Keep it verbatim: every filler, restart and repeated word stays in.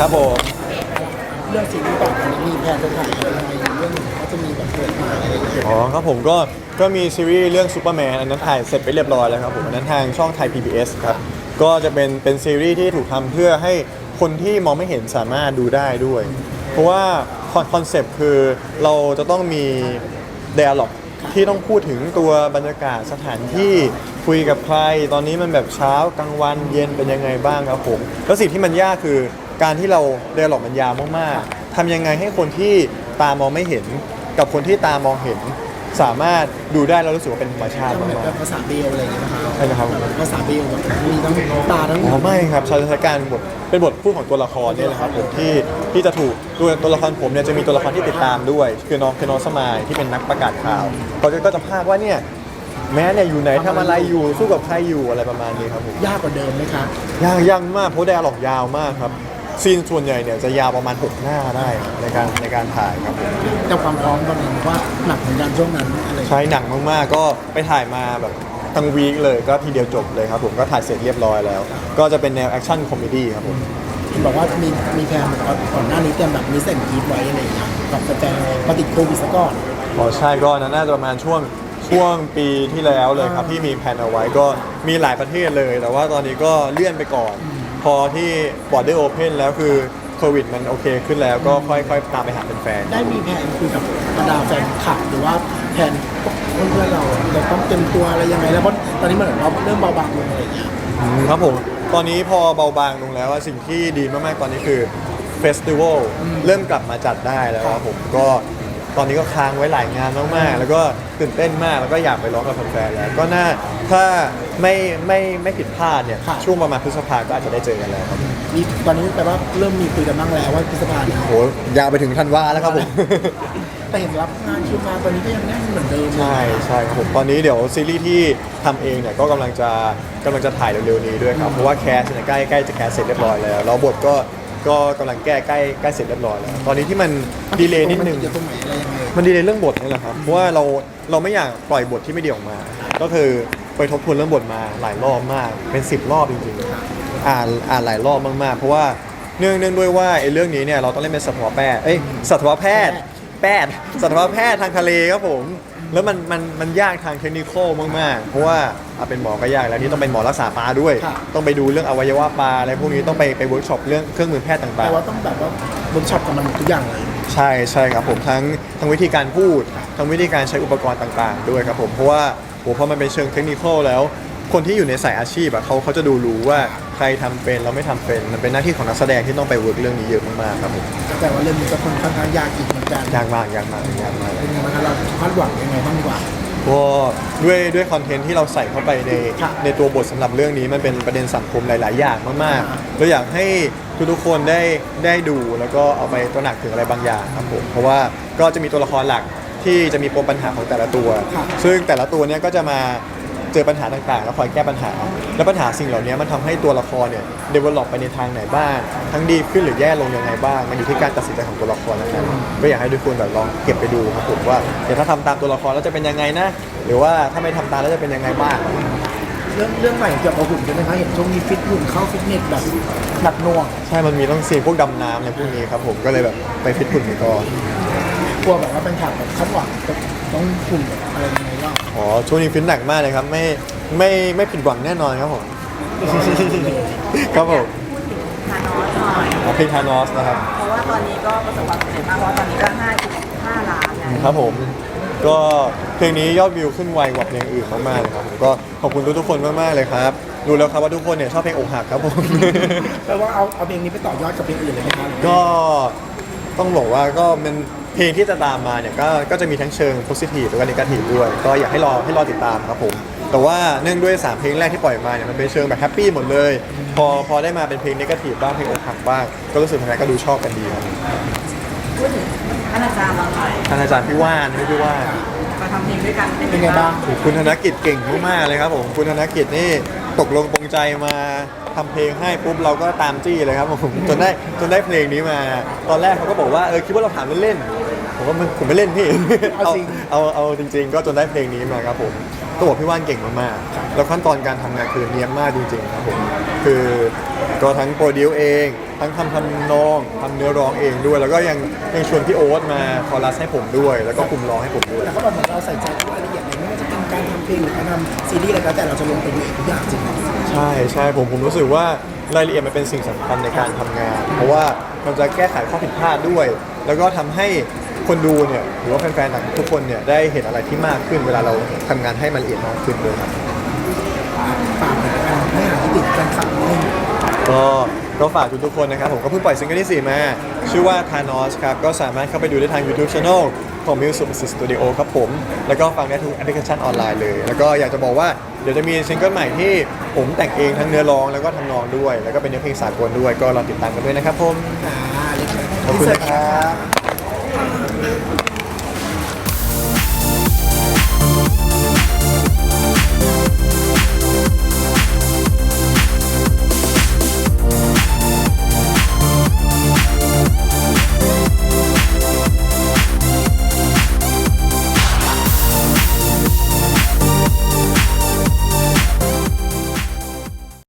ครับผมเรื่องซีรีส์ต่อไปนี้มีแผนจะถ่ายอะไรอยู่เรื่องหนึ่งก็จะมีแบบเปิดมาอะไรอย่างเงี้ยอ๋อครับผมก็ก็มีซีรีส์เรื่องซูเปอร์แมนอันนั้นถ่ายเสร็จไปเรียบร้อยแล้วครับผมอันนั้นทางช่องไทย พี บี เอส ครับก็จะเป็นเป็นซีรีส์ที่ถูกทำเพื่อให้คนที่มองไม่เห็นสามารถดูได้ด้วย เพราะว่าคอนเซปต์คือเราจะต้องมี dialog ที่ต้องพูดถึงตัวบรรยากาศสถานที่คุยกับใครตอนนี้มันแบบเช้ากลางวันเย็นเป็นยังไงบ้างครับผมแล้วสิ่งที่มันยากคือการที่เรา dialog มันยาวมากๆทำยังไงให้คนที่ตามองไม่เห็นกับคนที่ตามองเห็น สามารถดูได้แล้วรู้สึกว่าเป็นธรรมชาติจะเหมือนมาเป็กนภาษาเบลอะไรอย่างเงี้ยนะคะใช่ไหมครับภาษาเบลแบบมีทั้งตาทั้งๆอ๋อไม่ครับใช้ใช้การบทเป็นบทพูดของตัวละครนี่แหละครับผมที่ที่จะถูกตัวตัวละครผมเนี่ยจะมีตัวละครที่ติดตามด้วย คือน้องคือน้องสมายที่เป็นนักประกาศข่าวเขาจะก็จะพากว่าเนี่ยแม้เนี่ยอยู่ไหนทำอะไรอยู่สู้กับใครอยู่อะไรประมาณนี้ครับผมยากกว่าเดิมไหมคะยากยังมากเพราะไดอะล็อกยาวมากครับซีนส่วนใหญ่เนี่ยจะยาวประมาณหกหน้าได้ครับในการในการถ่ายครับผมแต่ความพร้อมตอนนี้ว่าหนักเหมือนกันช่วงนั้นอะไรอย่างเงี้ยใช้หนังมากๆก็ไปถ่ายมาแบบทั้งวีคเลยก็ทีเดียวจบเลยครับผมก็ถ่ายเสร็จเรียบร้อยแล้ว ก็จะเป็นแนวแอคชั่นคอมเมดี้ครับผมเห็นบอกว่ามีมีแผนแบบว่าก่อนหน้านี้เตรียมแบบมิสแอนด์กรีดไว้อะไรอย่างเงี้ยกับแฟนๆมาติดโควิดซะก่อนอ๋อใช่ก็น่าจะประมาณช่วงช่วงปีที่แล้วเลยครับที่มีแผนเอาไว้ก็มีหลายประเทศเลย แต่ว่าตอนนี้ก็เลื่อนไปก่อน พอที่บอร์ดได้โอเพนแล้วคือโควิดมันโอเคขึ้นแล้วก็ค่อยๆตามไปหาเป็นแฟนได้มีแผนคุยกับบรรดาแฟนคลับหรือว่าแผนเพื่อนๆเราเราต้องเตรียมตัวอะไรยังไงแล้วเพราะตอนนี้มันเหมือนเราเริ่มเบาบางลงอะไรอย่างเงี้ยอืมครับผมตอนนี้พอเบาบางลงแล้วอะสิ่งที่ดีมากๆตอนนี้คือเฟสติวัลเริ่มกลับมาจัดได้แล้วครับผมก็ตอนนี้ก็ค้างไว้หลายงานมากๆแล้วก็ตื่นเต้นมากแล้วก็อยากไปร้องกับแฟนๆแล้วก็น่าถ้าไม่ไม่ไม่ผิดพลาดเนี่ยช่วงประมาณพฤษภาก็อาจจะได้เจอกันแล้วครับมีตอนนี้แปลว่าเริ่มมีคุยกันบ้างแล้วว่าพฤษภาเนี่ยโหยาวไปถึงธันวาแล้วครับผมแต่เห็นรับงานคิวงานตอนนี้ก็ยังแน่นเหมือนเดิมใช่ใช่ครับผมตอนนี้เดี๋ยวซีรีส์ที่ทำเองเนี่ยก็กำลังจะกำลังจะถ่ายเร็วๆนี้ด้วยครับเพราะว่าแคสเนี่ยใกล้ใกล้จะแคสเสร็จเรียบร้อยแล้วแล้วบทก็ก็กำลังแก้ใกล้ใกล้เสร็จเรียบร้อยแล้วตอนนี้ที่มันดีเลย์นิดนึงจะตรงไหนอะไรยังไงมันดีเลยเรื่องบทนี่แหละครับ เพราะว่าเราเราไม่อยากปล่อยบทที่ไม่ดีออกมา ก็คือไปทบทวนเรื่องบทมาหลายรอบมาก เป็นสิบรอบจริงๆ อ่านอ่านหลายรอบมากๆ เพราะว่าเนื่องเนื่องด้วยว่าไอ้เรื่องนี้เนี่ยเราต้องเล่นเป็นสัตวแพทย์เอ้ยสัตวแพทย์แพทย์สัตวแพทย์ทางทะเลครับผม แล้วมันมันมันยากทางเทคนิคมากๆ เพราะว่าเอาเป็นหมอก็ยากแล้วนี่ต้องเป็นหมอรักษาปลาด้วย ต้องไปดูเรื่องอวัยวะปลาอะไรพวกนี้ต้องไปไปเวิร์กช็อปเรื่องเครื่องมือแพทย์ต่างแต่ๆว่าต้องแบบว่าเวิร์กช็อปกับมันทุกอย่างเลยใช่ใช่ครับผมทั้งทั้งวิธีการพูดทั้งวิธีการใช้อุปกรณ์ต่างๆ ด้วยครับผมเพราะว่าโหพอมันเป็นเชิงเทคนิคอลแล้ว คนที่อยู่ในสายอาชีพอะเขาเขาจะดูรู้ว่าใครทำเป็นเราไม่ทำเป็นมันเป็นหน้าที่ของนักแสดงที่ต้องไปเวิร์กเรื่องนี้เยอะมากๆครับผมแต่ว่าเรื่องนี้ก็ค่อนข้างยากอีกเหมือนกันยากมากยากมากยากมากเป็นยังไงบ้างครับเราคาดหวังยังไงบ้างดีกว่าก็ด้วยด้วยคอนเทนต์ที่เราใส่เข้าไปในค่ะในตัวบทสำหรับเรื่องนี้มันเป็นประเด็นสังคมหลาย ๆ อย่างมากๆเราอยากให้ทุกๆคนได้ได้ดูแล้วก็เอาไปตระหนักถึงอะไรบางอย่างครับผมเพราะว่าก็จะมีตัวละครหลักที่จะมีปมปัญหาของแต่ละตัว ซึ่งแต่ละตัวเนี้ยก็จะมาเจอปัญหาต่างๆ แล้วคอยแก้ปัญหา แล้วปัญหาสิ่งเหล่านี้มันทำให้ตัวละครเนี่ย develop ไปในทางไหนบ้าง ทั้งดีขึ้นหรือแย่ลงยังไงบ้าง มันอยู่ที่การตัดสินใจของตัวละครนั้นๆก็อยากให้ทุกคนแบบลองเก็บไปดูครับผมว่าเดี๋ยวถ้าทำตามตัวละครแล้วจะเป็นยังไงนะ หรือว่าถ้าไม่ทำตามแล้วจะเป็นยังไงบ้างเรื่องเรื่องใหม่เกี่ยวกับหุ่นใช่ไหมคะเห็นช่วงนี้ฟิตหุ่นเข้าฟิตเนสแบบหนักหน่วงใช่ มันมีต้องซีนพวกดำน้ำอะไรพวกนี้ครับผมก็เลยแบบไปฟิตหุ่นไปก่อนกลัวแบบว่าเป็นฉากแบบคาดหวังแบบต้องหุ่นแบบอะไรยังไงบ้างอ๋อช่วงนี้ฟิตหนักมากเลยครับไม่ไม่ไม่ผิดหวังแน่นอนครับผม ครับผมพูดถึงทานอสหน่อยอ๋อเพลงทานอสนะครับเพราะว่าตอนนี้ก็ประสบความสำเร็จมากเพราะว่าตอนนี้ก็ห้าจุดห้าล้านแล้วครับผมก็เพลงนี้ยอดวิวขึ้นไวกว่าเพลงอื่นมากๆเลยครับผมก็ขอบคุณทุกๆคนมากๆเลยครับดูแล้วครับว่าทุกคนเนี่ยชอบเพลงอกหักครับผมแปลว่าเอาเอาเพลงนี้ไปต่อยอดกับเพลงอื่นเลยไหมคะก็ต้องบอกว่าก็เป็นเพลงที่จะตามมาเนี่ยก็ก็จะมีทั้งเชิงโพสิทีฟแล้วก็นกาทีฟด้วยก็อยากให้รอให้รอติดตามครับผมแต่ว่าเนื่องด้วยสามเพลงแรกที่ปล่อยมาเนี่ยมันเป็นเชิงแบบแฮปปี้หมดเลย พอพอได้มาเป็นเพลงนกาทีฟบ้างเพลงอกหักบ้างก็รู้สึกแฟนๆก็ดูชอบกันดีครับพูดถึงท่านอาจารย์เราหน่อยท่านอาจารย์พี่ว่านพี่ว่านมาทำเพลงด้วยกันเป็นไงบ้างคุณธนกิจเก่งมากๆเลยครับผมคุณธนกิจนี่ตกลงปรงใจมาทำเพลงให้ปุ๊บเราก็ตามจี้เลยครับผมจนได้จนได้เพลงนี้มา ตอนแรกเขาก็บอกว่าเออคิดว่าเราถามเล่นๆผมว่ามันผมไม่เล่นพี่เอาจริงเอาเอาจริง ๆ ก็จนได้เพลงนี้มาครับผมก็บอกพี่ว่านเก่งมากๆแล้วขั้นตอนการทำงานคือเนียบมากจริงๆครับผมคือก็ทั้งโปรดิวเองทั้งทำทำนองทำเนื้อร้องเองด้วย แล้วก็ยังยังชวนพี่โอ๊ตมาคอรัสให้ผมด้วย แล้วก็คุมร้องให้ผมด้วยแล้วก็แบบเหมือนเราใส่ใจทุกรายละเอียดเลยไม่ว่าจะเป็นการทำเพลงหรือการทำซีรีส์อะไรก็แล้วแต่เราจะลงไปดูเองทุกอย่างจริงใช่ใช่ผมผมรู้สึกว่ารายละเอียดมันเป็นสิ่งสำคัญในการทำงาน เพราะว่ามันจะแก้ไขข้อผิดพลาดด้วย แล้วก็ทำให้คนดูเนี่ยหรือว่าแฟนๆต่างทุกคนเนี่ยได้เห็นอะไรที่มากขึ้นเวลาเราทำงานให้มันละเอียดมากขึ้นด้วยครับฝากถึงการไม่หาที่ติดกันขับนิดนึงก็ก็ฝากทุกๆคนนะครับผมก็เพิ่งปล่อยซิงเกิลที่สี่มาชื่อว่า Thanos ครับก็สามารถเข้าไปดูได้ทาง YouTube Channel ของ Music Studio ครับผมแล้วก็ฟังได้ทุกแอปพลิเคชันออนไลน์เลย แล้วก็อยากจะบอกว่าเดี๋ยวจะมีซิงเกิลใหม่ที่ผมแต่งเองทั้งเนื้อร้องแล้วก็ทำนองด้วย แล้วก็เป็นเนื้อเพลงสากลด้วยก็รอติดตามกันด้วยนะครับผมอ่าเรียบร้อยขอบคุณนะครับ